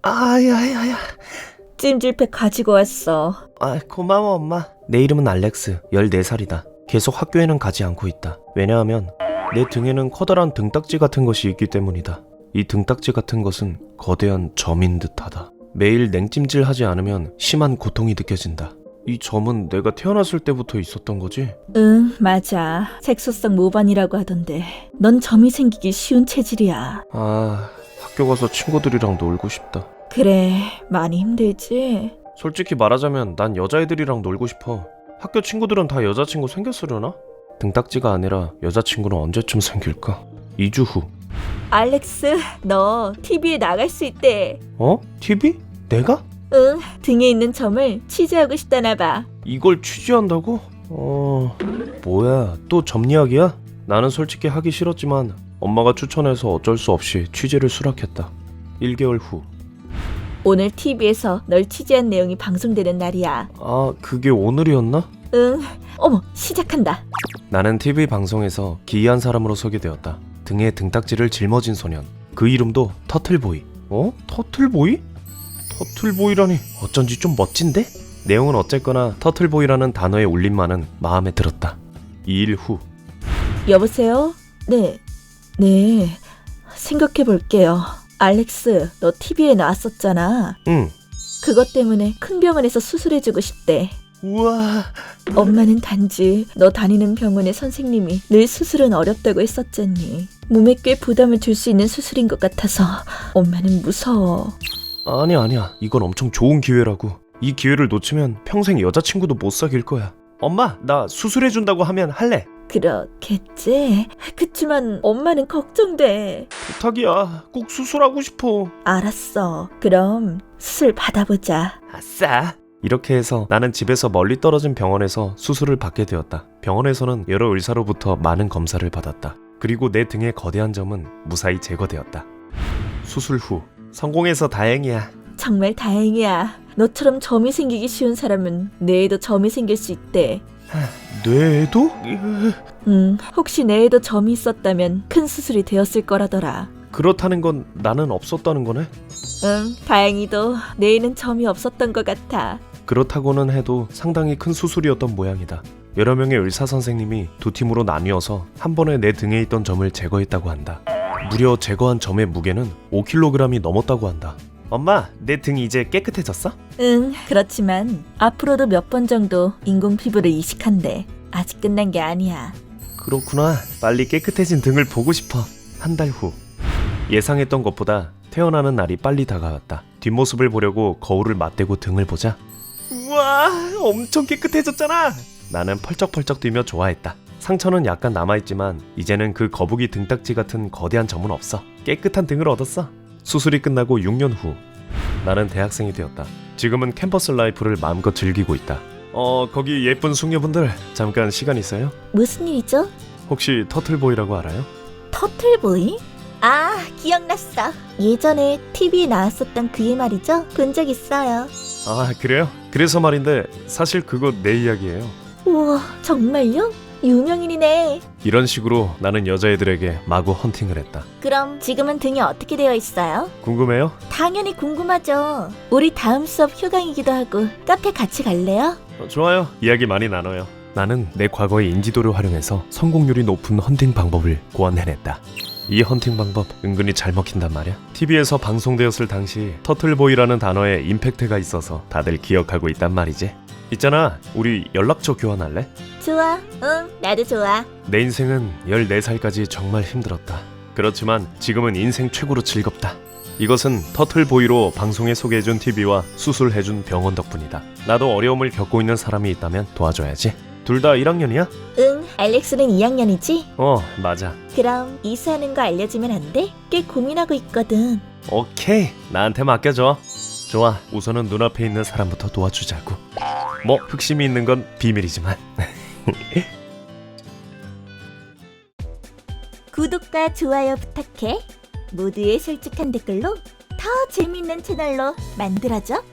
아야야야. 찜질팩 가지고 왔어. 고마워 엄마. 내 이름은 알렉스. 14살이다. 계속 학교에는 가지 않고 있다. 왜냐하면 내 등에는 커다란 등딱지 같은 것이 있기 때문이다. 이 등딱지 같은 것은 거대한 점인 듯하다. 매일 냉찜질 하지 않으면 심한 고통이 느껴진다. 이 점은 내가 태어났을 때부터 있었던 거지? 응, 맞아. 색소성 모반이라고 하던데 넌 점이 생기기 쉬운 체질이야. 학교 가서 친구들이랑 놀고 싶다. 그래, 많이 힘들지? 솔직히 말하자면 난 여자애들이랑 놀고 싶어. 학교 친구들은 다 여자친구 생겼으려나? 등딱지가 아니라 여자친구는 언제쯤 생길까? 2주 후. 알렉스, 너 TV에 나갈 수 있대. TV? 내가? 응, 등에 있는 점을 취재하고 싶다나 봐. 이걸 취재한다고? 뭐야, 또 점 이야기야? 나는 솔직히 하기 싫었지만 엄마가 추천해서 어쩔 수 없이 취재를 수락했다. 1개월 후. 오늘 TV에서 널 취재한 내용이 방송되는 날이야. 그게 오늘이었나? 응, 어머, 시작한다. 나는 TV 방송에서 기이한 사람으로 소개되었다. 등에 등딱지를 짊어진 소년. 그 이름도 터틀보이. 터틀보이? 터틀보이라니 어쩐지 좀 멋진데? 내용은 어쨌거나 터틀보이라는 단어의 울림만은 마음에 들었다. 2일 후. 여보세요? 네, 생각해볼게요. 알렉스, 너 TV에 나왔었잖아. 응. 그것 때문에 큰 병원에서 수술해주고 싶대. 우와. 엄마는 단지 너 다니는 병원의 선생님이 늘 수술은 어렵다고 했었잖니. 몸에 꽤 부담을 줄 수 있는 수술인 것 같아서 엄마는 무서워. 아니야. 이건 엄청 좋은 기회라고. 이 기회를 놓치면 평생 여자친구도 못 사귈 거야. 엄마, 나 수술해준다고 하면 할래. 그렇겠지? 그치만 엄마는 걱정돼. 부탁이야. 꼭 수술하고 싶어. 알았어. 그럼 수술 받아보자. 아싸. 이렇게 해서 나는 집에서 멀리 떨어진 병원에서 수술을 받게 되었다. 병원에서는 여러 의사로부터 많은 검사를 받았다. 그리고 내 등의 거대한 점은 무사히 제거되었다. 수술 후. 성공해서 다행이야. 정말 다행이야. 너처럼 점이 생기기 쉬운 사람은 뇌에도 점이 생길 수 있대. 뇌에도? 혹시 뇌에도 점이 있었다면 큰 수술이 되었을 거라더라. 그렇다는 건 나는 없었다는 거네? 응, 다행히도 뇌에는 점이 없었던 것 같아. 그렇다고는 해도 상당히 큰 수술이었던 모양이다. 여러 명의 의사 선생님이 두 팀으로 나뉘어서 한 번에 내 등에 있던 점을 제거했다고 한다. 무려 제거한 점의 무게는 5kg이 넘었다고 한다. 엄마, 내 등이 이제 깨끗해졌어? 응, 그렇지만 앞으로도 몇 번 정도 인공 피부를 이식한대. 아직 끝난 게 아니야. 그렇구나. 빨리 깨끗해진 등을 보고 싶어. 한 달 후. 예상했던 것보다 태어나는 날이 빨리 다가왔다. 뒷모습을 보려고 거울을 맞대고 등을 보자. 우와, 엄청 깨끗해졌잖아. 나는 펄쩍펄쩍 뛰며 좋아했다. 상처는 약간 남아있지만 이제는 그 거북이 등딱지 같은 거대한 점은 없어. 깨끗한 등을 얻었어. 수술이 끝나고 6년 후. 나는 대학생이 되었다. 지금은 캠퍼스 라이프를 마음껏 즐기고 있다. 거기 예쁜 숙녀분들 잠깐 시간 있어요? 무슨 일이죠? 혹시 터틀보이라고 알아요? 터틀보이? 아, 기억났어. 예전에 TV에 나왔었던 그의 말이죠? 본 적 있어요. 그래요? 그래서 말인데 사실 그거 내 이야기예요. 우와, 정말요? 유명인이네. 이런 식으로 나는 여자애들에게 마구 헌팅을 했다. 그럼 지금은 등이 어떻게 되어 있어요? 궁금해요? 당연히 궁금하죠. 우리 다음 수업 휴강이기도 하고 카페 같이 갈래요? 좋아요. 이야기 많이 나눠요. 나는 내 과거의 인지도를 활용해서 성공률이 높은 헌팅 방법을 고안해냈다. 이 헌팅 방법 은근히 잘 먹힌단 말이야. TV에서 방송되었을 당시 터틀보이라는 단어에 임팩트가 있어서 다들 기억하고 있단 말이지. 있잖아, 우리 연락처 교환할래? 좋아. 응, 나도 좋아. 내 인생은 14살까지 정말 힘들었다. 그렇지만 지금은 인생 최고로 즐겁다. 이것은 터틀보이로 방송에 소개해준 TV와 수술해준 병원 덕분이다. 나도 어려움을 겪고 있는 사람이 있다면 도와줘야지. 둘 다 1학년이야? 응, 알렉스는 2학년이지? 맞아. 그럼 이수하는 거 알려주면 안 돼? 꽤 고민하고 있거든. 오케이, 나한테 맡겨줘. 좋아, 우선은 눈앞에 있는 사람부터 도와주자고. 뭐 흑심이 있는 건 비밀이지만. 구독과 좋아요 부탁해. 모두의 솔직한 댓글로 더 재밌는 채널로 만들어줘.